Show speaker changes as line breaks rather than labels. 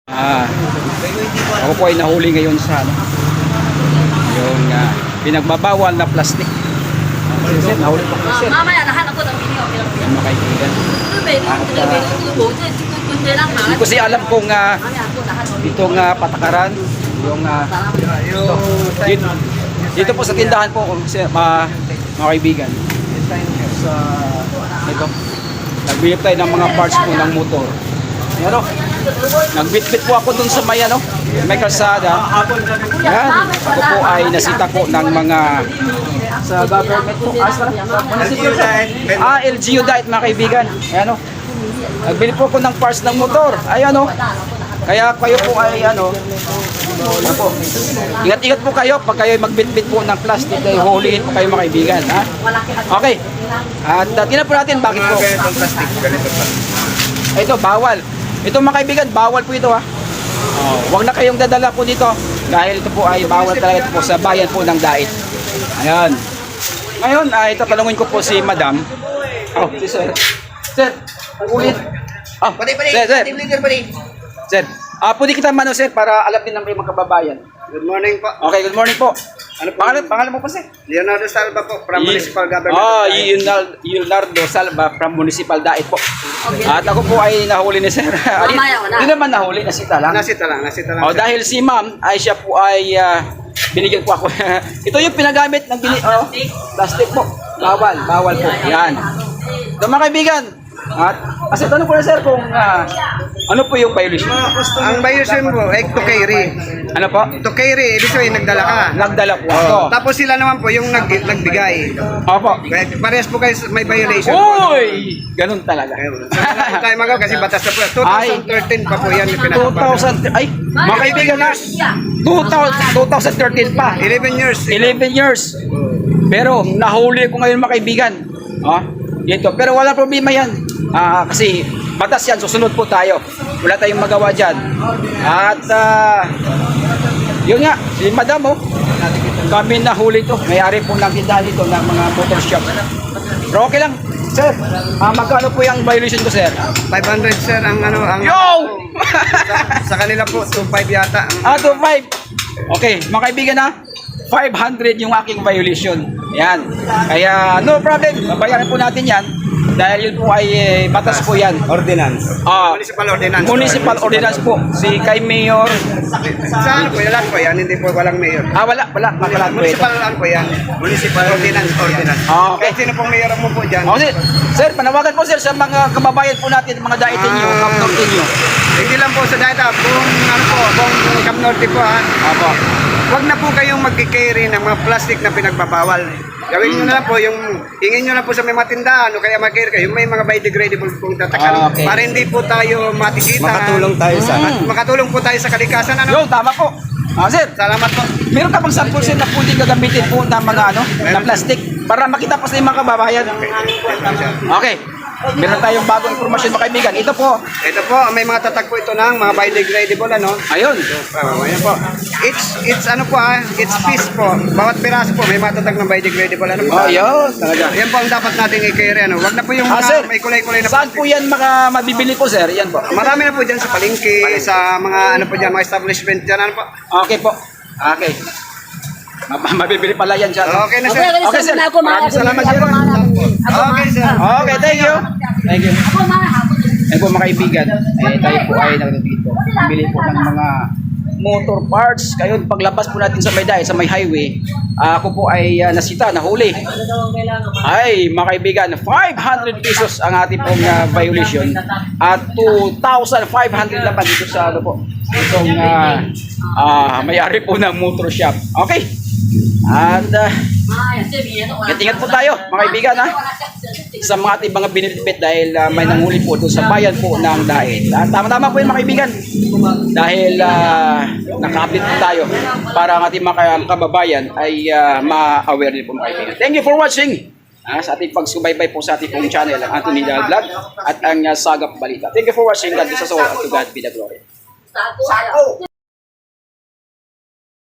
Ako po ay nahuli ngayon sa yung pinagbabawal na plastic. Sir, nahuli po ko, sir.
Mamaya nahanap ko ng video.
Yan mga kaibigan. Hindi ko siya alam kung itong patakaran, yung dito po sa tindahan po, mga kaibigan. Ito, nagbibigay tayo ng mga parts po ng motor. Yan o, nagbitbit po ako dun sa may kalsada. Yan, ako po ay nasita ko ng mga sa government po. LGU diet mga kaibigan. Ayan o, nagbili po ko ng parts ng motor. Ayan o, kaya kayo po ay po, ingat-ingat po kayo pag kayo magbitbit po ng plastic dahil hulihin po kayo mga kaibigan. Ha? Okay, at tingnan po natin bakit po. Ito, bawal. Ito mga kaibigan, bawal po ito ha. Huwag na kayong dadala po dito dahil ito po ay bawal talaga po sa bayan po ng Dait. Ayan. Ngayon, ito talungin ko po si Madam. Si Sir. Sir, ulit. Sir, pwede kita sir para alam din ng mga kababayan.
Good morning po.
Okay, good morning po. Ano pangalan mo po sir?
Leonardo Salva po from Municipal Government.
Leonardo Salva from Municipal Dait po. At ako po ay nahuli ni sir. Hindi naman nahuli, nasita lang.
Nasita lang.
Dahil si ma'am ay siya po ay binigyan po ako. Ito yung pinagamit ng plastic po. Bawal po. Yan. So mga kaibigan, at tanong ko na sir kung ano po yung violation?
Ang violation po ay to carry.
Ano po?
To carry, ibig sabihin nagdala ka.
Nagdala po ako.
Tapos sila naman po yung nagbigay.
Opo.
Parehas po kayo may violation.
Uy! Ganun talaga.
Hindi tayo magaw kasi batas na po. 2013 pa po yan.
2000, ay, mga kaibigan na, 2013 pa.
11 years.
11 years. Pero nahuli ko ngayon mga kaibigan. Dito. Pero wala problema yan. Kasi batas yan, susunod po tayo. Wala tayong magawa dyan. At yun nga, si Madam kami nahuli to. May-ari po ng tindahan dito ng mga motor shop. Pero okay lang. Sir, magkano po yung violation ko, sir?
500 sir ang
Yo!
sa kanila po 25 yata.
25. Okay, mga kaibigan 500 yung aking violation. Yan. Kaya no problem, babayaran po natin yan. Dahil yun po ay batas po yan.
Ordinance. Municipal ordinance.
Municipal ordinance po. Si kay Mayor.
Saan po yan po yan? Hindi po walang mayor.
Wala po
Municipal po yan. Municipal ordinance.
Okay.
Kahit sino pong mayor mo po dyan.
Sir, panawagan po sir sa mga kababayan po natin, mga Daitin nyo, Camp Norte nyo.
Hindi lang po sa data, kung Camp Norte po
Opo.
Huwag na po kayong mag-carry ng mga plastic na pinagbabawal. Gawin nyo na lang po, hingin nyo na po sa may matindahan o kaya mag-carry kayo, may mga biodegradable pong tatakan.
Okay.
Para hindi po tayo matikita.
Makatulong tayo sa
makatulong po tayo sa kalikasan.
Yo, tama po. Sir,
Salamat po.
meron ka bang sample sir na pwedeng gagamitin po ng mga na plastic para makita po sa mga kababayan? Okay. Meron tayong bagong informasyon mga kaibigan. Ito po,
May mga tatag po ito ng mga biodegradable
ayun.
Ayan po. It's it's piece po. Bawat piraso po may matatag ng biodegradable
Ayun, talaga.
Yan po ang dapat nating i-carry Wag na po yung
Sir,
may kulay-kulay na
saan po yan mabibili po sir? Yan po.
Marami na po dyan sa palengke, sa mga mga establishment dyan
Okay po. Okay. Mabibili pala yan siya.
Okay na sir.
Okay, sir.
Maraming salamat sir. Okay sir.
Okay, thank you. Thank you. Ayun po mga kaibigan, tayo po ay nagdito. Bili po ng mga motor parts. Kayo, paglabas po natin sa may highway, ako po ay nasita, nahuli. Ay, mga kaibigan, 500 pesos ang ating pong violation at 2,500 naman dito sa itong may-ari po ng motor shop. Okay. At ingat po tayo mga kaibigan sa mga ating mga binilipit dahil may nanghuli po doon sa bayan po ng Dait. Tama-tama po yun mga kaibigan dahil naka-update po tayo para ang ating mga kababayan ay ma-aware din po mga kaibigan. Thank you for watching sa ating pagsubaybay po sa ating pong channel ang Anthony Dal Vlog at ang Sagap Balita. Thank you for watching. God bless us all. To God be the glory.